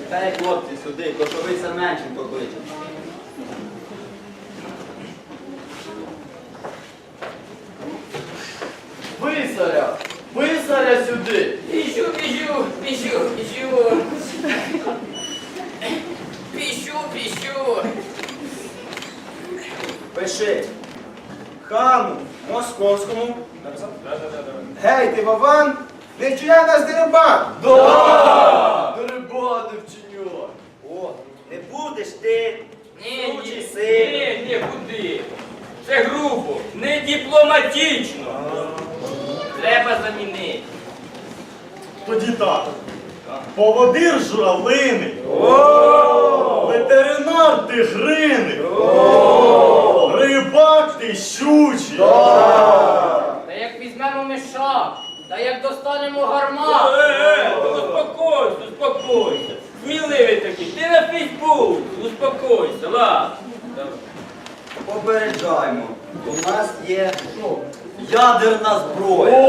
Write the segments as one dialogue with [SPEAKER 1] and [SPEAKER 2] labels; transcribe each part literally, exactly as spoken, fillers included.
[SPEAKER 1] Та й хлопці сюди, кошовий Семенченко кличе.
[SPEAKER 2] Писаря! Писаря сюди!
[SPEAKER 3] Піщу, піщу, піщу, піщу. Піщу, піщу.
[SPEAKER 4] Пиши. Хану Московському. Гей, ти Вован, не вчиняй нас дерибан.
[SPEAKER 2] Да! Дерибани вчиню!
[SPEAKER 4] О, не будеш ти.
[SPEAKER 3] Ні,
[SPEAKER 4] Сучий
[SPEAKER 3] ні,
[SPEAKER 4] син.
[SPEAKER 3] ні, ні, куди? Це грубо, не дипломатично. Треба замінити.
[SPEAKER 5] Тоді так. Поводир журавлиний. Ветеринар тигриний. Рибак ти щучий.
[SPEAKER 3] Та як візьмемо мішак, та як достанемо гармат. Е, е, успокойся, успокойся. Сміливий такий, ти на Фейсбук, успокойся, ладно.
[SPEAKER 1] Попереджаємо. У нас є ядерна зброя.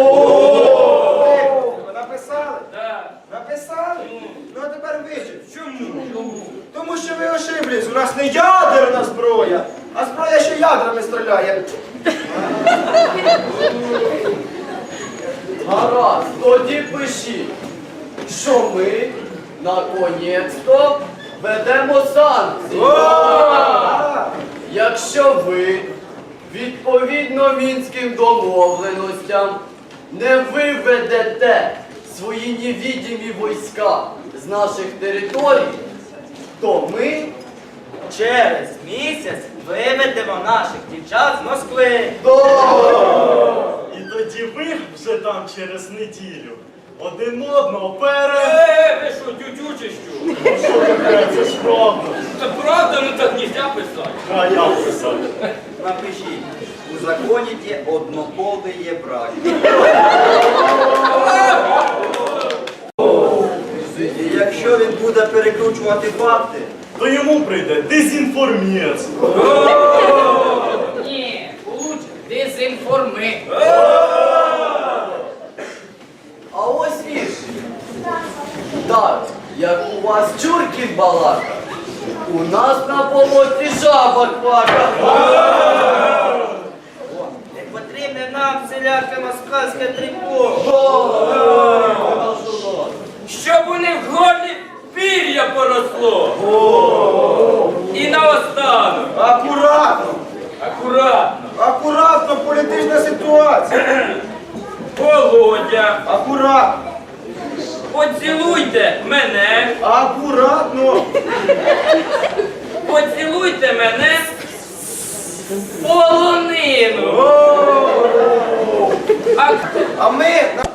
[SPEAKER 4] Ви написали?
[SPEAKER 3] Так.
[SPEAKER 4] Написали? Ну а тепер вичіть. Чому? Тому що ви ошиблись. У нас не ядерна зброя, а зброя, що ядрами стріляє.
[SPEAKER 2] Гаразд, тоді пишіть, що ми, наконець-то, ведемо санкції. Якщо ви, відповідно мінським домовленостям, не виведете свої невідимі війська з наших територій, то ми
[SPEAKER 4] Через місяць виведемо наших дівчат з Москви.
[SPEAKER 5] І тоді ви вже там через неділю один одного пере...
[SPEAKER 3] Е, ви що, тютю чи що?
[SPEAKER 5] Що таке? Це ж правда.
[SPEAKER 3] Це правда, ну так нельзя писати.
[SPEAKER 5] А я писав.
[SPEAKER 1] Напишіть. Узаконіті однополий брак. І якщо він буде перекручувати факти,
[SPEAKER 5] То йому прийде дезінформець.
[SPEAKER 3] Ні, лучше дезінформи.
[SPEAKER 2] А ось вірш. Так, як у вас чурків балака, у нас на болоті жаба квака.
[SPEAKER 4] Не потрібне нам всіляке москальське трико.
[SPEAKER 3] Щоб у них в горлі пір'я поросло. І наостанок.
[SPEAKER 4] Акуратно,
[SPEAKER 3] Акуратно.
[SPEAKER 4] акуратно, політична ситуація.
[SPEAKER 3] Володя,
[SPEAKER 4] Акуратно,
[SPEAKER 3] поцілуйте мене,
[SPEAKER 4] акуратно.
[SPEAKER 3] поцілуйте мене в полонину. А
[SPEAKER 4] А ми